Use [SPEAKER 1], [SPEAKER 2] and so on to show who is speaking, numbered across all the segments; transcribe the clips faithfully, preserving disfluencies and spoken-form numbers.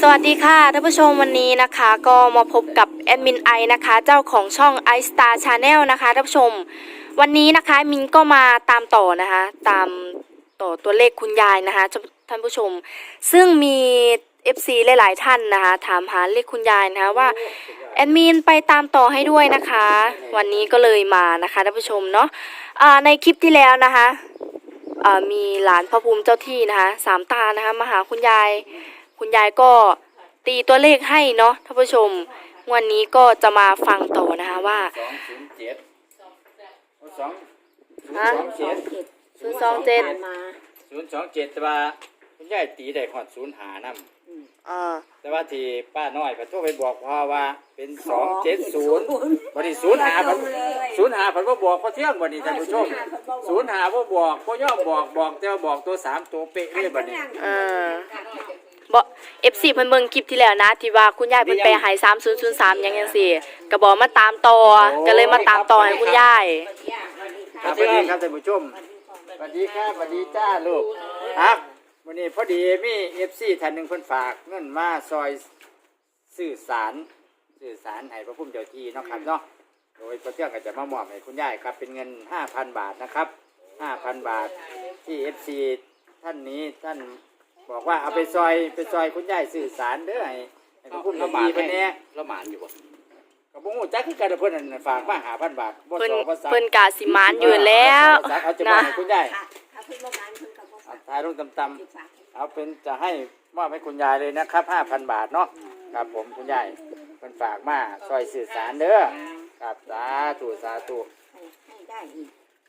[SPEAKER 1] สวัสดีค่ะท่านผู้ชมวันนี้นะคะก็มาพบกับแอดมินไอนะคะเจ้าของช่อง i Star Channel นะคะท่านผู้ชมวันนี้นะคะมินก็มาตามต่อนะคะตามต่อตัวเลขคุณยายนะคะท่านผู้ชมซึ่งมี เอฟ ซี หลายๆท่านนะคะถามหาเลขคุณยายนะคะว่าแอดมินไปตามต่อให้ด้วยนะคะวันนี้ก็เลยมานะคะท่านผู้ชมเนาะในคลิปที่แล้วนะคะมีหลานพระภูมิเจ้าที่นะคะสามตานะคะมาหาคุณยายคุณยายก็ตีตัวเลขให้เนาะท่านผู้ชมวันนี้ก็จะมาฟังต่อนะคะว่า
[SPEAKER 2] สองศูนย์เจ็ดสอง
[SPEAKER 1] ฮะ
[SPEAKER 2] สองเจ็ด
[SPEAKER 1] ศูนย์สองเจ็ด
[SPEAKER 2] ศูนย์สองเจ็ดแต่ว่าคุณยายตีได้ขอดศูนย์หานั่
[SPEAKER 1] อ่า
[SPEAKER 2] แต่ว่าที่ป้าน้อยพระโทรไปบอกพ่อว่าเป็นสองเจ็ดศูนย์วันนี้ศูนย์หาพันศูนย์หาพันว่าบอกพ่อเที่ยงวันนี้ท่านผู้ชมศูนย์หาว่าบอกพ่อย่อมบอกบอกแต่ว่าบอกตัวสามตัวเป๊ะเลยวันนี้
[SPEAKER 1] อ่าบ่ เอฟ ซี เพิ่นเบิ่งคลิปที่แล้วนะที่ว่าคุณยายเพิ่นไปหายสามศูนย์ศูนย์สามยังจังซี่ก็บอกมาตามต่อก็เลยมาตามต่อให้คุณยาย
[SPEAKER 2] สวัสดีครับท่านผู้ชมสวัสดีครับสวัสดีจ้าลูกครับวันนี้พอดีมี เอฟ ซี ท่านหนึ่งเพิ่นฝากเงินมาซอยสื่อสารสื่อสารให้พระพุ่มเจ้าที่เนาะครับเนาะโดยพระเจ้าก็จะมามอบให้คุณยายครับเป็นเงิน ห้าพัน บาทนะครับ ห้าพัน บาทที่ เอฟ ซี ท่านนี้ท่านบอกว่าเอาไปซอยไปซอยคุณยายสื่อสารเด้อให้ให้พระพุ่มเจ้าที่เพิ่นแน่ละหมานอยู่บ่ก็บ่ฮู้จักคือกันเพิ่นนั่นฝากมา ห้าพัน บาทบ่สอภาษา
[SPEAKER 1] เพิ่นกะสิมานอยู่แล้ว
[SPEAKER 2] เอาจะมอบให้คุณยายถ่ายรูปต่ำๆเอาเป็นจะให้มอบให้คุณยายเลยนะครับ ห้าพัน บาทเนาะครับผมคุณยายเพิ่นฝากมาซอยสื่อสารเด้อครับสาธุสาธุให้ได้อีก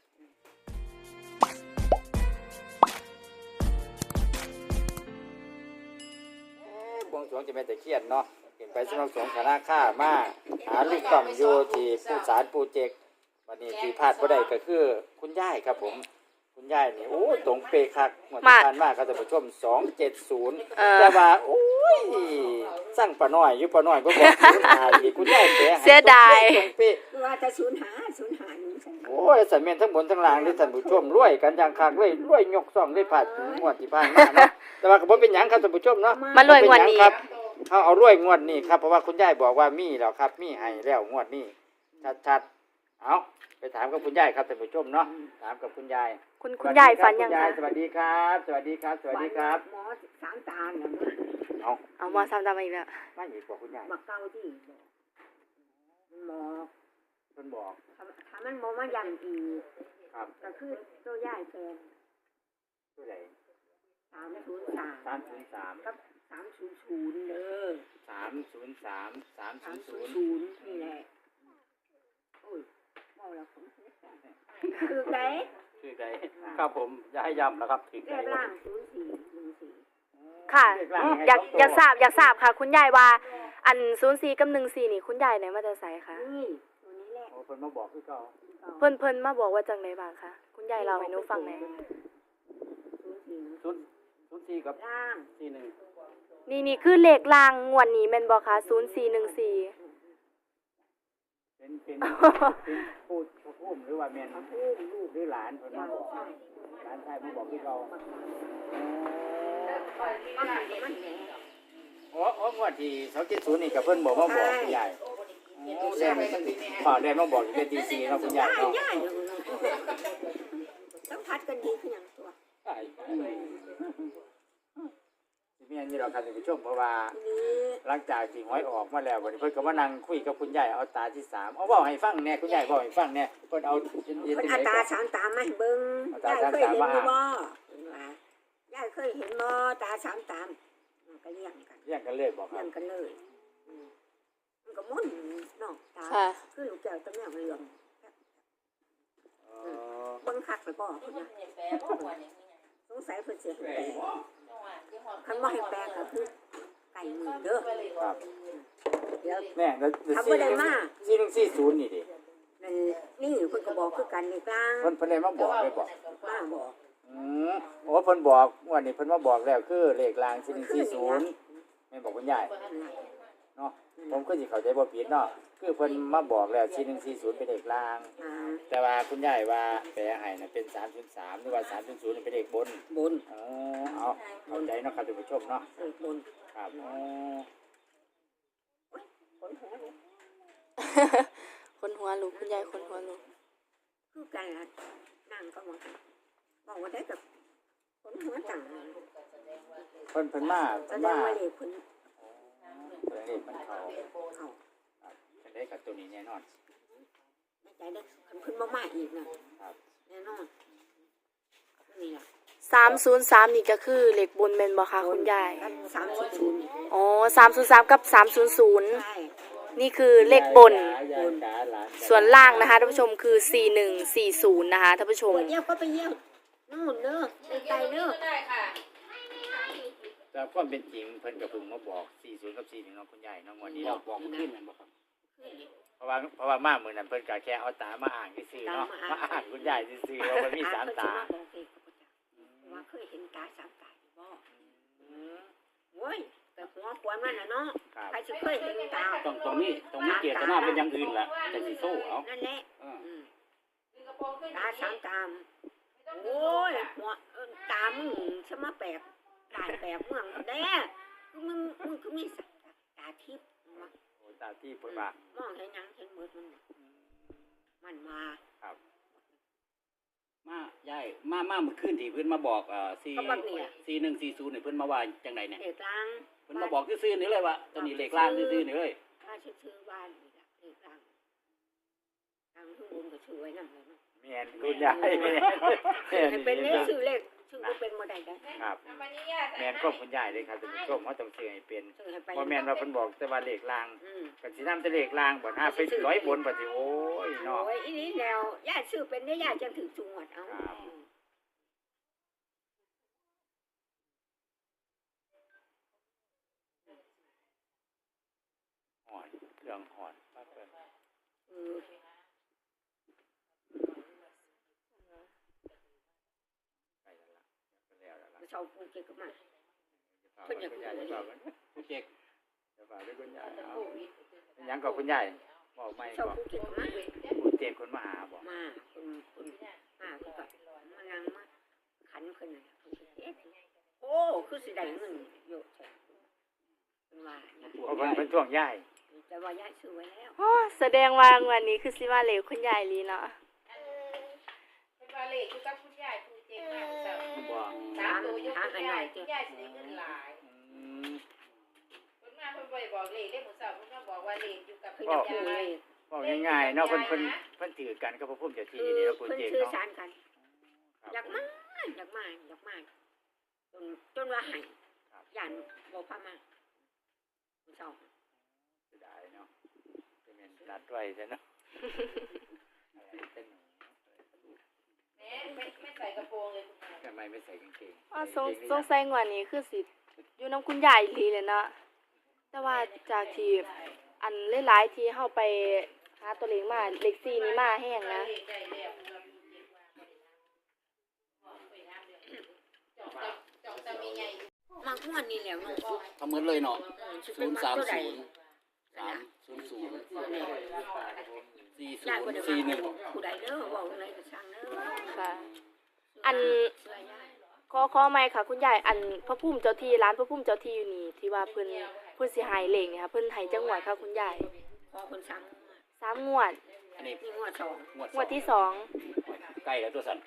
[SPEAKER 2] บวงสรวงจะเป็นตะเคียนเนาะเห็นไปสำนักสงฆ์คณะข้ามาหาลูกต่อมโยที่ผู้สารปูเจกวันนี้ที่พลาดบ่ได้ก็คือคุณยายครับผมคุณยายนี่โอ้ตรงเปคักเหมือนที่ผ่านมาครับท่านผู้ชมสองเจ็ดศูนย์แต่ว่าโอ้ยสร้างป้าน้อยอยู่ป้าน้อยบ่บอกศูนย์หาอีกคุณยายแปะ
[SPEAKER 1] เสียดาย
[SPEAKER 2] ตรงเป๊ะ
[SPEAKER 3] ว่าจะศูนย์หาศูนย์หา
[SPEAKER 2] โอ้ยสันเมนทั้งบนทั้งล่างนี่ท่านผู้ชมรวยกันอย่างคักรวยรวยยกซ่องได้ผ่านงวดที่ผ่านมาเนาะแต่ว่าก็บ่เป็นหยังครับท่านผู้ชมเนาะ
[SPEAKER 1] มารวยงวดนี้
[SPEAKER 2] ครับเขาเอารวยงวดนี้ครับเพราะว่าคุณยายบอกว่ามีแล้วครับมีให้แล้วงวดนี้ชัดๆเอาไปถามกับคุณยายครับท่านผู้ชมเนาะถามกับคุณยาย
[SPEAKER 1] คุณคุณยายฝันยังคะ
[SPEAKER 2] สวัสดีครับสวัสดีครับสวัสดีครับ
[SPEAKER 3] หมอสามตาเนี่ย
[SPEAKER 2] เอา
[SPEAKER 1] เอาหมอสามตามาอีกแล้ว
[SPEAKER 2] ไม่อีกบอกคุณยาย
[SPEAKER 3] มาเก้าที่หมอ
[SPEAKER 2] เพิ่นบอก
[SPEAKER 3] ถ้ามันบ่มาย้ำอีก
[SPEAKER 2] ครับ
[SPEAKER 3] ก็คือตัวยายแฟน
[SPEAKER 2] ตัวไหน
[SPEAKER 3] สามศูนย์สาม
[SPEAKER 2] สามศูนย์สาม
[SPEAKER 3] กับสามศูนย์ศูนย์เด้อ
[SPEAKER 2] สามศูนย์สามสามศูนย์ศูนย์
[SPEAKER 3] นี่แหละโอ้ยเมาแล้วผมคือไง
[SPEAKER 2] คือไงครับผมจะให้ย้ำนะครับถึง
[SPEAKER 3] เลขล่างศูนย์สี่หนึ่งสี่
[SPEAKER 1] ค่ะอยากอยากทราบอยากทราบค่ะคุณยายว่าอันศูนย์สี่กับหนึ่งสี่นี่คุณยายไหนมาจะใส่คะ
[SPEAKER 3] นี่ตัวนี้แหละ
[SPEAKER 2] โอ้เพิ่นมาบอกคือเก่า
[SPEAKER 1] เพิ่นเพิ่นมาบอกว่าจังไดบ้างคะคุณยายเราให้หนูฟังหน่อย
[SPEAKER 2] ศูนย์ศูนย์สี่กับ
[SPEAKER 3] ล่าง
[SPEAKER 2] สี่หนึ่ง
[SPEAKER 1] นี่นี่คือเลขล่างงวดนี้แม่นบ่คะศูนย์สี่หนึ่งสี่
[SPEAKER 2] เป็นเป็นเป็นพูดพูดหรือว่าแม่นลูกหรือหลานเพิ่นมาบอกหลานชายมาบอกคือเก่าโอ้โอ้งวดที่สองเจ็ดศูนย์นี่กับเพิ่นบอกมาบอกคุณยายแดงพ่อแดงมาบอกอยู่เป็นตีสี่เนาะคุณยายเนาะ
[SPEAKER 3] ต้องพัดกันดีขึ้นอย่างตัว
[SPEAKER 2] ใช่ที่มีอันนี้เราครับท่านผู้ชมเพราะว่าหลังจากที่หวยออกมาแล้ววันนี้เพิ่นก็มานั่งคุยกับคุณยายเอาตาที่สามเอาเว้าให้ฟังแน่คุณยายเว้าให้ฟังแน่เพิ่นเอา
[SPEAKER 3] เพิ่นเอาตาสามตามาให้เบิ่งยายเคยเห็นบ่ยายเคยเห็นบ่ตาสามตาก็เลี้ยงกัน
[SPEAKER 2] เลี้ยงกันเลยบอกครับ
[SPEAKER 3] เลี้ยงกันเลยมันก็มุ่นเนาะตาคือลูกแก้วตะแมวเรื่องเบิ่งคักไปบ่พุ่นน่ะสงสัยเพิ่นสิให้แปลคันบ่ให้แปลก็คือไก่มือเด้อ
[SPEAKER 2] ครับ
[SPEAKER 3] เดี๋ยว
[SPEAKER 2] แม่แล้ว
[SPEAKER 3] ทำบ่ได้มา
[SPEAKER 2] สี่หนึ่งสี่ศูนย์นี่ดิ
[SPEAKER 3] นั่นนี่เพิ่นก็บอกคือกันนี่กลาง
[SPEAKER 2] เพิ่นเพิ่นได้มาบอกได้บอก
[SPEAKER 3] มาบอก
[SPEAKER 2] อืมโอ้เพิ่นบอกวันนี้เพิ่นมาบอกแล้วคือเลขรางสี่หนึ่งสี่ศูนย์แม่บอกคุณยายเนาะผมก็สิเข้าใจบ่ผิดเนาะคือเพิ่นมาบอกแล้วสี่หนึ่งสี่ศูนย์เป็นเลขรางแต่ว่าคุณยายว่าแปลให้น่ะเป็นสามศูนย์สามหรือว่าสามศูนย์ศูนย์เป็นเลขบน
[SPEAKER 3] บน
[SPEAKER 2] อ๋อเอาเข้าใจเนาะครับท่านผู้ชมเนาะ
[SPEAKER 3] เลขบน
[SPEAKER 2] ครับอ๋อ
[SPEAKER 1] คนหัวลุกคุณยายคนหัวลุก
[SPEAKER 3] คือกันละนั่งก็มาบอกว่าได้กับคนหัวจัง
[SPEAKER 2] เพิ่นเพิ่นมา
[SPEAKER 3] แส
[SPEAKER 2] เพิ่น
[SPEAKER 3] ด
[SPEAKER 2] มาง
[SPEAKER 3] ว่าเลยคน
[SPEAKER 2] เพิ่นเลขมันเข้า
[SPEAKER 3] เขา
[SPEAKER 2] ครับเพิ่นได้กับตัวนี้แน่นอน
[SPEAKER 3] ในใจได้คันเพิ่นบ่มาอีกนะครับ แน่นอนนี่ล่ะ
[SPEAKER 1] สามศูนย์สามนี่ก็คือเหล็กบนแม่นบ่คะคุณยาย
[SPEAKER 3] กันสามสิบศูนย์
[SPEAKER 1] อ๋อสามศูนย์สามกับสามศูนย์ศูนย์
[SPEAKER 3] ใช่
[SPEAKER 1] นี่คือเลขบน
[SPEAKER 2] ยายจ๋าหลานจ๋า
[SPEAKER 1] ส่วนล่างนะคะท่านผู้ชมคือสี่หนึ่งสี่ศูนย์นะคะท่านผู้ชม
[SPEAKER 3] ปวดเยี่ยวก็ไปเยี่ยวนู่นเด้อไกลๆเด้อ
[SPEAKER 2] แต่ความเป็นจริงเพิ่นก็เพิ่งมาบอกสี่ศูนย์กับสี่หนึ่งเนาะคุณยายเนาะงวดนี้เราบอกมันขึ้นแม่นบ่ครับเพราะว่าเพราะว่ามามื้อนั้นเพิ่นก็แค่เอาตามาอ่านซื่อๆเนาะมาอ่านคุณยายซื่อๆว่ามันมีสามตา
[SPEAKER 3] ว่าเคยเห็นตาสามตาอยู่บ่โว้ยแต่หัวควรมันน่ะเนาะ
[SPEAKER 2] ครับ
[SPEAKER 3] ใครจะเคยเห็นตา
[SPEAKER 4] ตรงตรงนี้ตรงนี้เกียรติหน้าเป็นอย่างอื่นแหละแต่สิสู้เอา
[SPEAKER 3] นั่นแหละ
[SPEAKER 4] เออ
[SPEAKER 3] อืมตาสามตามโอ้ยหัวเอิ้นตามึงสมาแปลกตาแปลกเมืองแด้คือมึงมึงคือมีสัตว์ตาทิพย์วะ
[SPEAKER 2] โอ้ตาที่เพิ่นว่าม
[SPEAKER 3] องเห็นหยังเห็นหมดมันมันมา
[SPEAKER 2] ครับ
[SPEAKER 4] มายายมามาเมื่อคืนที่เพิ่นมาบอกเอ่อสี่สี่หนึ่งสี่ศูนย์เนี่ยเพิ่นมาว่าจังไดเนี่ย
[SPEAKER 3] เด็กลาง
[SPEAKER 4] เพิ่นมาบอกซื่อๆนี่เลยว่าตัวนี้เลขล่างซื่อๆนี่เลย
[SPEAKER 3] ถ้าชื่อบ้านนี่ล่ะเด็กลางทางทุกคนก็ชื่อไว้นั่นเลยเนาะ
[SPEAKER 2] แม่นคุณยายแม่นแม่น
[SPEAKER 3] ให้เป็นเลขชื่อเลขชื่อก็เป็นบ่ได้ได้
[SPEAKER 2] ครับแม่นก็คุณยายเลยครับท่านผู้ชมเฮาต้องชื่อให้เป็น
[SPEAKER 3] ชื่อให้ไป
[SPEAKER 2] บ่แม่นว่าเพิ่นบอกแต่ว่าเลขล่าง
[SPEAKER 3] อืม
[SPEAKER 2] ก็สินำแต่เลขล่างบ่ถ้าไปร้อยบนบ่สิโอ้ยเนาะ
[SPEAKER 3] โอ้ยอีนี้แล้วย่าชื่อเป็นได้ย่าจังถึงจังหวัดเอา
[SPEAKER 2] ครับ หอนเครื่องหอนปั๊บเพิ่น
[SPEAKER 3] เออ
[SPEAKER 2] ไปแล้วล่ะไปแล้วล่ะ
[SPEAKER 3] ชาวภูเก็ตก็มา
[SPEAKER 2] เพิ่นอยากคุณยายจะฝากมัน
[SPEAKER 4] ผู้เจ๊ก
[SPEAKER 2] จะฝากด้วยคุณยายเอาเป็นหยังกับคุณยายบอกไม่
[SPEAKER 3] ชาว
[SPEAKER 2] บอก
[SPEAKER 3] ภูเก็ตก็มา
[SPEAKER 2] คุณเจ็บคนมาหาบอก
[SPEAKER 3] มาคุณคุณมาคุณก็มานั่งมาขันขึ้นน่ะคุณก็เอ๊ะโอ้คือสิได้เงินเยอะแท้เป็นว่าเนี่ย
[SPEAKER 2] เพราะเพิ่นเพิ่นท่วงยาย
[SPEAKER 3] แต่ว่าย่าซื้อไว้แล้ว
[SPEAKER 1] อ๋อแสดงว่างวันนี้คือสิว่าเหล็กคุณยายลีเนาะ
[SPEAKER 5] เป็นว่าเลขคือกับคุณยายผู้เจ๊งมากเจ้า
[SPEAKER 2] บอก
[SPEAKER 5] สามตัวยกคุณยายคุณยายสิได้เงินหลาย
[SPEAKER 2] อืม
[SPEAKER 5] เพิ่นมาเพิ่นบ่ได้บอกเลขเลขหมู่เจ้าเพิ่นมาบอกว่าเลขอยู่กับ
[SPEAKER 3] เพิ่
[SPEAKER 5] คุ
[SPEAKER 3] น
[SPEAKER 5] ณ
[SPEAKER 3] จะ
[SPEAKER 5] ยา
[SPEAKER 3] ซื้อเลย ย
[SPEAKER 2] บอกง่ายๆเนาะเพิ่นเพิ่นเพิ่นถือกันกับพระพุ่มเจ้าที่
[SPEAKER 3] คือ
[SPEAKER 2] นี่แล้วคุณ
[SPEAKER 3] เพิ่น
[SPEAKER 2] เจ็บ
[SPEAKER 3] ซื้อ
[SPEAKER 2] เนาะ
[SPEAKER 3] สารกัน อยากมาอยากมาอยากมาจนจนว่าให้ย่านบ่พามาเจ้า
[SPEAKER 2] เสียดายเนาะเป็นแม่นนัดไว้ซะเนาะอะไรเป็น
[SPEAKER 5] แหม่ไม่ไม่ใส่กระโปรงเลยคุณยาย
[SPEAKER 2] ทำไมไม่ใส่กางเกง
[SPEAKER 1] อ๋อสงสงสัยงวันนี้คือสิอยู่น้ำคุณยายลีเลยเนาะแต่ว่าจากที่อันหลายๆที่เฮาไปหาตัวเลขมาเลขสี่นี่มาแห้งนะ
[SPEAKER 5] เลขได้แล้วเพิ่นว่าผู้เจ๊งว่าบ่ได้น้ำเดือนจอกจอกจะมีใหญ่
[SPEAKER 3] มากม่วนนี่แหล้วเนาะ
[SPEAKER 4] ทำเหมือนเลยเนาะ
[SPEAKER 3] สิ
[SPEAKER 4] ศู
[SPEAKER 3] เป็น
[SPEAKER 4] นย์
[SPEAKER 3] มา
[SPEAKER 4] สาม
[SPEAKER 3] ตัวใด
[SPEAKER 4] ศูนย์สามศูนย์ศูนย์สี่ศู
[SPEAKER 3] ย่าน
[SPEAKER 4] น
[SPEAKER 3] บ่
[SPEAKER 4] ย์
[SPEAKER 3] ได้
[SPEAKER 4] สี่
[SPEAKER 3] ว่า
[SPEAKER 4] หนึ่ง
[SPEAKER 3] ผู้ใดเด้อเว้าอะไรก็ช่างเด้อ
[SPEAKER 1] ค่ะ อัน
[SPEAKER 3] เชื่อย่า
[SPEAKER 1] ขอขอไหมค่ะคุณยายอันพระพุ่มเจ้าที่ร้านพระพุ่มเจ้าที่อยู่นี่ที่ว่าเพิ่นเพิ่นสิหายเหล็กเนี่ยค่ะเพิ่นให้จังหวัดค่ะคุณยาย
[SPEAKER 3] ขอคนสั่ง
[SPEAKER 1] สามงวด
[SPEAKER 4] อันนี้
[SPEAKER 3] นี่งวดสอง
[SPEAKER 4] งวด
[SPEAKER 1] งวดที่สอง
[SPEAKER 4] ใกล้แล้วตัวสัน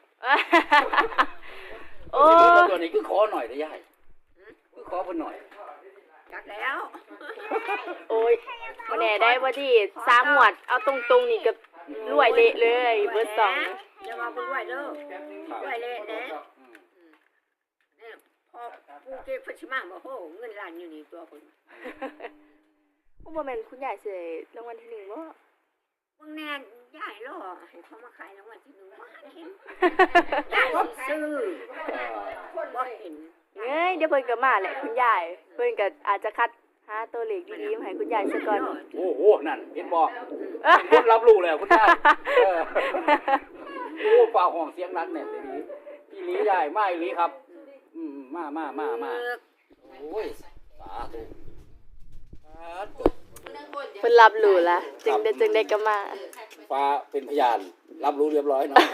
[SPEAKER 1] โอ้
[SPEAKER 4] ตัวนี้คือขอหน่อยได้ยายคือขอเพิ่นหน่อย
[SPEAKER 3] จักแล้ว
[SPEAKER 1] โอ้ยบ่แน่ได้บ่ดีสามงวดเอาตรงๆนี่ก็รวยเละเลยเบอร์สอง
[SPEAKER 3] อย่ามาบ่รวยเด้อ
[SPEAKER 4] ครับ
[SPEAKER 3] รวยเละเด้
[SPEAKER 4] อืม
[SPEAKER 3] เนี่ยพอปูเก็บเพิ่นสิมาบ่โหเงินล้านอยู่นี่ตัวเพิ่น
[SPEAKER 1] บ่แม่นคุณยายสิได้รางวัลที่หนึ่งบ่
[SPEAKER 3] เบิ่งแน่ยายรอให้เขามาขายรางวัลที่หนึ่งบ่เห็นยายสิซื้อบ่เห็น
[SPEAKER 1] เอ้ยเดี๋ยวเพิ่นก็มาแหละคุณยายเพิ่นก็อาจจะคัดหาตัวเลขดีๆมาให้คุณยายซะก่อน
[SPEAKER 4] โอ้โหนั่นเห็นบ่คนรับรู้แล้วคุณยายเออโอ้ฝ่าห้องเสียงนักแน่นเลยนี้พี่หลียายมาอีหลีครับ อืมมามามามาโอ้ยสาธุสาธุ
[SPEAKER 1] เพิ่นรับรู้ละจึงได้จึงได้ก็มา
[SPEAKER 4] ฟ้าเป็นพยานรับรู้เรียบร้อยเนาะ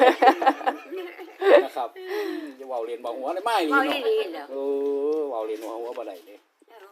[SPEAKER 4] นะครับจะเว้าเรียนบ่หัวได้ไม่
[SPEAKER 3] เว้า
[SPEAKER 4] นี่
[SPEAKER 3] อี
[SPEAKER 4] เนาะ
[SPEAKER 3] หลีแล้ว
[SPEAKER 4] เออเว้าเรียนบ่หัวบ่ได้เด้
[SPEAKER 3] เออ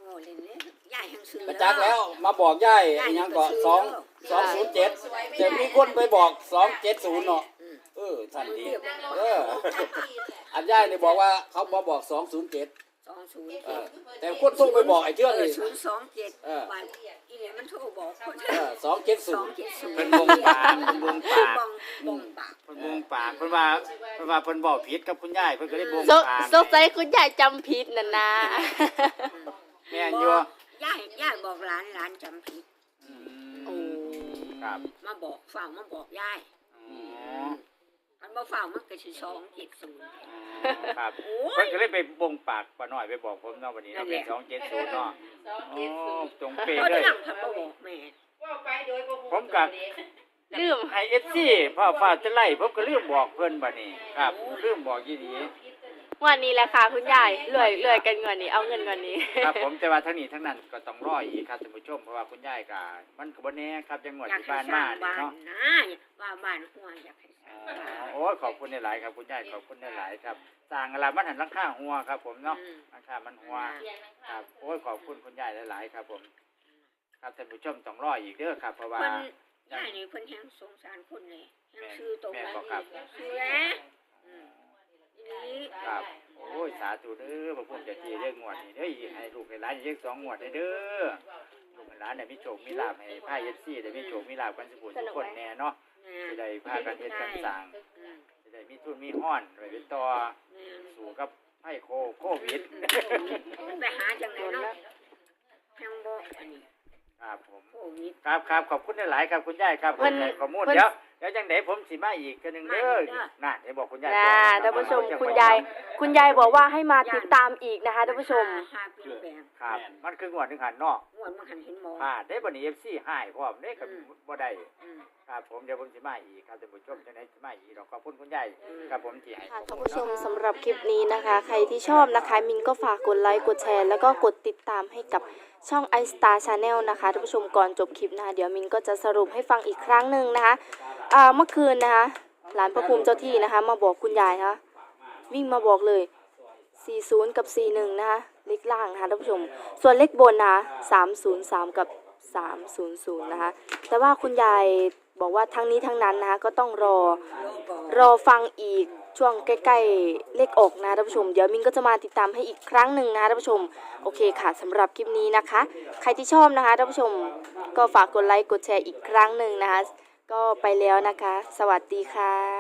[SPEAKER 3] อ้เล่นเลยยายแห่งซื้อก
[SPEAKER 4] ระจักแล้วมาบอกยายไอ้หยังก็สองสองศูนย์เจ็ดแต่มีคนไปบอกสองเจ็ดศูนย์เนาะเออท่านดีเอออันยายนี่บอกว่าเขามาบอกสองศูนย์เจ็ด
[SPEAKER 3] สองศูนย์
[SPEAKER 4] เออแต่คนส่งไปบอกไอ้เชื่องนี่
[SPEAKER 3] ศูนย์สองเจ็ด
[SPEAKER 4] เออ
[SPEAKER 3] วันอีเนี่ยมันโทรบอกคน
[SPEAKER 4] เออสองเจ็ด
[SPEAKER 3] ส
[SPEAKER 4] ศู
[SPEAKER 3] อน ง
[SPEAKER 4] ย์
[SPEAKER 3] เจ็ดศูนย์
[SPEAKER 2] เพิ่นวงปากเพิ่นวงปาก
[SPEAKER 3] บองบองปาก
[SPEAKER 2] เพิ่นวงปากเพิ่นว่าเพิ่นว่าเพิ่นบอกผิดกับคุณยายเพิ่นก็เลยวง
[SPEAKER 1] ส
[SPEAKER 2] ปาก
[SPEAKER 1] สงสัยคุณยายจำผิดน่ะนะ
[SPEAKER 2] แม่นอยู่
[SPEAKER 3] ยายยายบอกหลานหลานจำผิด
[SPEAKER 1] โอ้
[SPEAKER 2] ครับ
[SPEAKER 3] มาบอกฝ่ามาบอกยาย
[SPEAKER 2] อ๋อ
[SPEAKER 3] อันบ่ฝ่ามันก็สิสองเจ็ดศูนย์
[SPEAKER 2] ครับ
[SPEAKER 3] โอ้ย
[SPEAKER 2] เพิ่นก็เลยไปวงปากป้าน้อยไปบอกผมเนาะวันนี้
[SPEAKER 3] นั่
[SPEAKER 2] เนาะ
[SPEAKER 3] นแห
[SPEAKER 2] เป็น
[SPEAKER 3] ละ
[SPEAKER 2] สองเจ็ดศูนย์เนาะ
[SPEAKER 5] สอง
[SPEAKER 2] อ๋
[SPEAKER 5] เจ็ดศู
[SPEAKER 2] อน
[SPEAKER 5] ย์
[SPEAKER 2] ตรงเป๊ะ
[SPEAKER 3] เพราะ
[SPEAKER 2] เลย
[SPEAKER 3] ที่หลังพันบ่บอกแม่
[SPEAKER 5] ว่าไปโดยบ่ฮู้
[SPEAKER 2] ผมกับ
[SPEAKER 1] ลืม
[SPEAKER 2] ไอเอฟซีพ่อฟ้าจะไล่ผมก็ลืมบอกเพิ่นบัดนี้ครับลืมบอกยี่ดี
[SPEAKER 1] วันนี้แหละค่ะคุณยายรวยรวยกันเงินนี้เอาเงินเงินนี้
[SPEAKER 2] ครับผมแต่ว่าทั้งนี้ทั้งนั้นก็ต้องรออีกครับท่านผู้ชมเพราะว่าคุณยายก็มันก็บ่แน่ครับจังหวัด
[SPEAKER 3] อยาก
[SPEAKER 2] ที่
[SPEAKER 3] ให้
[SPEAKER 2] บ้าน
[SPEAKER 3] สร้า
[SPEAKER 2] มา
[SPEAKER 3] ง
[SPEAKER 2] นี่
[SPEAKER 3] บ้าน
[SPEAKER 2] เนาะ
[SPEAKER 3] นะว่าบ้านหัวอยากให้สร้าง
[SPEAKER 2] อ๋
[SPEAKER 3] บ้า
[SPEAKER 2] อน โอ้ยขอบคุณหลายๆครับคุณยายขอบคุณหลายๆครับสร้างอะไรมันหันหลังคาหัวครับผมเนาะ
[SPEAKER 3] อืม
[SPEAKER 2] หลังคามันหัว
[SPEAKER 5] เรียนนะ
[SPEAKER 2] ค
[SPEAKER 5] คะ
[SPEAKER 2] รับโอ้ยขอบคุณคุณยายหลายๆครับผม ครับท่านผู้ชมต้องรออีกเด้อครับเพราะว่า
[SPEAKER 3] เพิ่นยายนี่เพิ่นแฮงสงสารคนเลยแฮงซื้อตรง
[SPEAKER 2] แม่
[SPEAKER 3] นั้น
[SPEAKER 2] บอกครับ
[SPEAKER 3] ซื้อแล้วอืมทีนี้
[SPEAKER 2] ครับโอ้ยสาธุเด้อพระพุทธเจ้าที่เรื่องงวดนี่เด้อให้ลูกให้หลานเรียกสองงวดเด้อลูกให้หลานได้มีโชคมีลาภให้พาเอฟซีได้มีโชคมีลาภกันสุขทุกคนแน่เนาะ
[SPEAKER 3] แม่
[SPEAKER 2] จะได้พากันเฮ็ดกันสร้าง
[SPEAKER 3] อืม
[SPEAKER 2] จะได้มีทุนมีห้อนไว้เป็นต่อ
[SPEAKER 3] แม่
[SPEAKER 2] สู้กับไข้โคโควิด
[SPEAKER 3] ไปหาจังไหนเนาะแฮงบ่อันนี้
[SPEAKER 2] ครับผม
[SPEAKER 3] โควิด
[SPEAKER 2] ครับครับขอบคุณหลายๆครับคุณยายครับ
[SPEAKER 1] เพิ่น
[SPEAKER 2] ให้ข้อมูล
[SPEAKER 1] เพิ่น
[SPEAKER 2] เดี๋ยวเดี๋ยวจังไดผมสิมาอีกเทื่อหนึงเด้อ
[SPEAKER 3] มาอีกเด้อ
[SPEAKER 2] น่ะเดี๋ยวบอกคุณยาย
[SPEAKER 1] นะท่านผู้ชมคุณยายคุณยายบอกว่าให้มาติดตามอีกนะคะท่านผู้ชม
[SPEAKER 3] หาเปลี่ยนแปลง
[SPEAKER 2] ครับมันคืองวดหนึงหันเนาะ
[SPEAKER 3] งวดมันหันเห็นหมอ
[SPEAKER 2] พลาดได้บัดนี้ เอฟ ซี หายพร้อมเด้ก็
[SPEAKER 3] อืม
[SPEAKER 2] บ่ได้
[SPEAKER 3] อืม
[SPEAKER 2] ครับผมเดี๋ยวผมสิมาอีกครับท่านผู้ชมจังได๋สิมาอีกดอกขอบคุณคุณยาย
[SPEAKER 3] อืม
[SPEAKER 2] ครับผมที่ให้
[SPEAKER 1] ค่ะ
[SPEAKER 2] ข้อ
[SPEAKER 1] ท่าน
[SPEAKER 2] มูล
[SPEAKER 1] ผู้ชม
[SPEAKER 2] เนาะ
[SPEAKER 1] สำหรับคลิปนี้นะคะ ใครที่ชอบนะคะ มินก็ฝากกดไลค์กดแชร์ แล้วก็กดติดตามให้กับช่อง i Star Channel นะคะท่านผู้ชมก่อนจบคลิปนะคะเดี๋ยวมินก็จะสรุปให้ฟังอีกครั้งหนึ่งนะคะอ่าเมื่อคืนนะคะหลานพระภูมิเจ้าที่นะคะ มาบอกคุณยายนะคะวิ่งมาบอกเลย สี่สิบ กับ สี่สิบเอ็ด นะคะเลขล่างนะคะท่านผู้ชม ส่วนเลขบนนะคะสามศูนย์สาม กับ สามศูนย์ศูนย์ นะคะแต่ว่าคุณยายบอกว่าทั้งนี้ทั้งนั้นนะคะก็ต้องรอ รอฟังอีกช่วงใกล้ๆเลขออกนะท่านผู้ชมเดี๋ยวมินก็จะมาติดตามให้อีกครั้งหนึ่งนะท่านผู้ชมโอเคค่ะสำหรับคลิปนี้นะคะ ใครที่ชอบนะคะท่านผู้ชมก็ฝากกดไลค์กดแชร์อีกครั้งหนึ่งนะคะก็ไปแล้วนะคะ สวัสดีค่ะ